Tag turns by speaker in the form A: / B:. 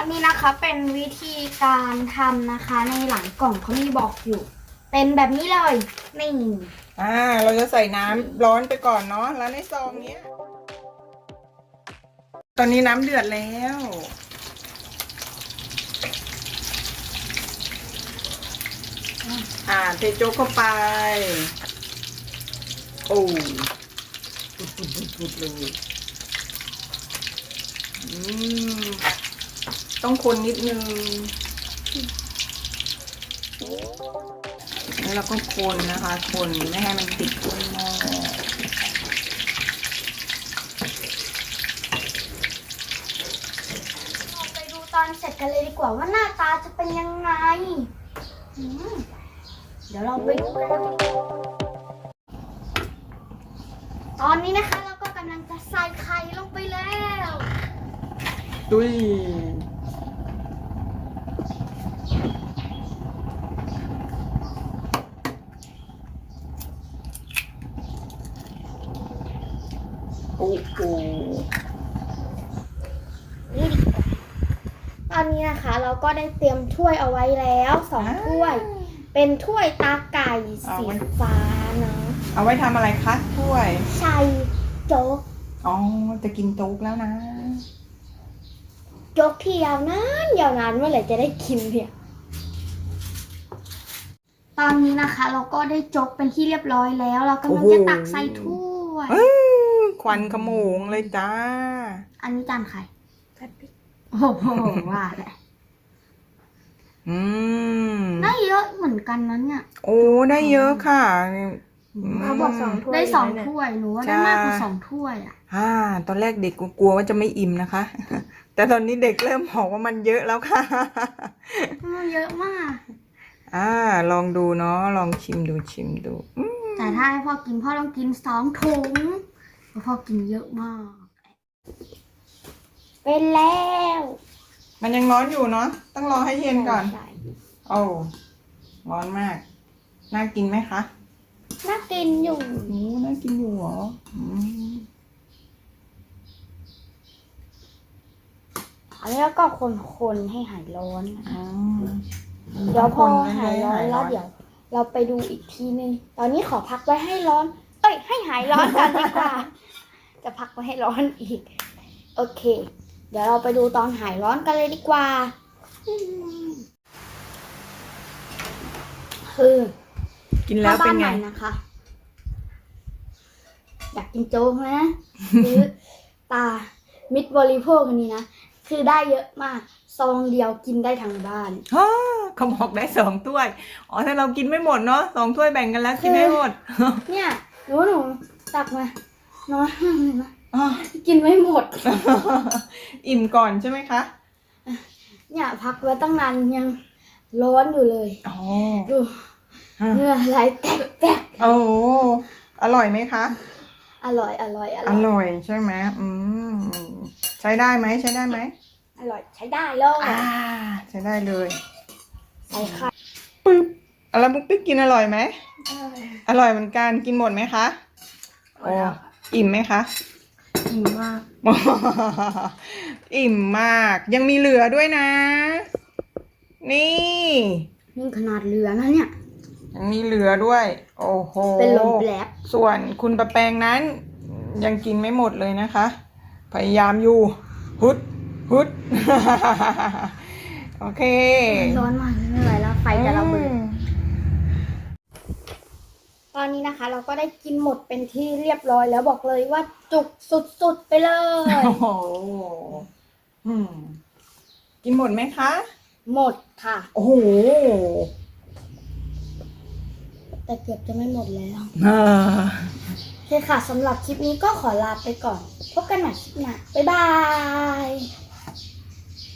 A: นนี้นะคะเป็นวิธีการทำนะคะในหลังกล่องเขามีบอกอยู่เป็นแบบนี้เลยนี่
B: เราจะใส่น้ำร้อนไปก่อนเนาะแล้วในซองเนี้ยตอนนี้น้ำเดือดแล้วเทโจ๊กเข้าไปโอ้ปุดเลยต้องคนนิดนึงแล้วเราก็คนนะคะคนไม่ให้มันติดก้นหม้อ
A: เราไปดูตอนเสร็จกันเลยดีกว่าว่าหน้าตาจะเป็นยังไงเดี๋ยวเราไปดูกันตอนนี้นะคะเราก็กำลังจะใส่ไข่ลงไปแล้ว
B: ดุยโอ้โห
A: นี่ดีกว่าตอนนี้นะคะเราก็ได้เตรียมถ้วยเอาไว้แล้ว2 ถ้วย เป็นถ้วยตาไก่สีฟ้าเนาะ
B: เอาไว้ทำอะไรคะถ้วย
A: ใส่โจ๊ก
B: จะกินโจ๊กแล้วนะ
A: โจ๊กที่ยาวนานเมื่อไหร่จะได้กินเนี่ยตอนนี้นะคะเราก็ได้โจ๊กเป็นที่เรียบร้อยแล้วเรากำลังจะตักใส่ถ้วย
B: ควันขโมงเลยจ้า
A: อันนี้จานใครโอ้โหว่าแหละได้เยอะเหมือนกันนั้นเนี่ย
B: โอ้ได้เยอะค่ะ
A: เขาบอก2 ถ้วยได้2 ถ้วยหนูว่าได้มากกว่า2 ถ้วย
B: ตอนแรกเด็กกลัวว่าจะไม่อิ่มนะคะแต่ตอนนี้เด็กเริ่มบอกว่ามันเยอะแล้วค่ะ
A: เยอะมาก
B: ลองดูเนาะลองชิมดู
A: แต่ถ้าให้พ่อกินพ่อต้องกิน2 ถุงเพราะพ่อกินเยอะมากเป็นแล้ว
B: มันยังร้อนอยู่เนาะต้องรอให้เย็นก่อนโอ้ร้อนมากน่ากินไหมคะ
A: น่ากินอยู่
B: น่ากินอยู่เหรอ
A: อันนี้แล้วก็คนให้หายร้อนเดี๋ยวพอหายร้อนแล้วเดี๋ยวเราไปดูอีกทีนึงตอนนี้ขอพักไว้ให้ร้อนให้หายร้อนก่อนดีกว่าจะพักไว้ให้ร้อนอีกโอเคเดี๋ยวเราไปดูตอนหายร้อนกันเลยดีกว่า
B: กินแล้วเป็นไง
A: นะคะอยากกินโจ๊กไหมหรือตามิตรบริโภคอันนี้นะคือได้เยอะมากซองเดียวกินได้ทั้งบ้าน
B: เขาบอกได้2 ถ้วยถ้าเรากินไม่หมดเนาะ2 ถ้วยแบ่งกันแล้วกินไม่หมด
A: เนี่ยหนูตักมาน้อยมากเลยนะกินไม่หมด
B: อิ่มก่อนใช่ไหมคะ
A: เนี่ยพักไว้ตั้งนานยังร้อนอยู่เลยดูเนื้อไหลแตก
B: โอ้อร่อยไหมคะ
A: อร่อย
B: ใช่ไหมใช้ได้ไหม
A: อร่อยใช้ได้เลย
B: ใช้ได้เลย
A: ใส่ไข่
B: ปึ๊บแล้วบุ๊กปิ๊กกินอร่อยไหมอร่อยเหมือนกันกินหมดไหมคะอิ่มไหมคะ
A: อิ่มมาก
B: อิ่มมากยังมีเหลือด้วยนะนี่
A: ขนาดเหลือนะเนี่ย
B: ยังมีเหลือด้วยโอ้โห
A: เป็นลมแผลบ
B: ส่วนคุณประแปงนั้นยังกินไม่หมดเลยนะคะพยายามอยู่ฮึดโอเค
A: ร้อนมากไม่ไหวแล้วไฟจะระเบิดตอนนี้นะคะเราก็ได้กินหมดเป็นที่เรียบร้อยแล้วบอกเลยว่าจุกสุดๆไปเลย
B: โอ้โหกินหมดไหมคะ
A: หมดค่ะ
B: โอ้โห
A: แต่เกือบจะไม่หมดแล้วโอเคค่ะสำหรับคลิปนี้ก็ขอลาไปก่อนพบกันใหม่คลิปหน้าบ๊ายบาย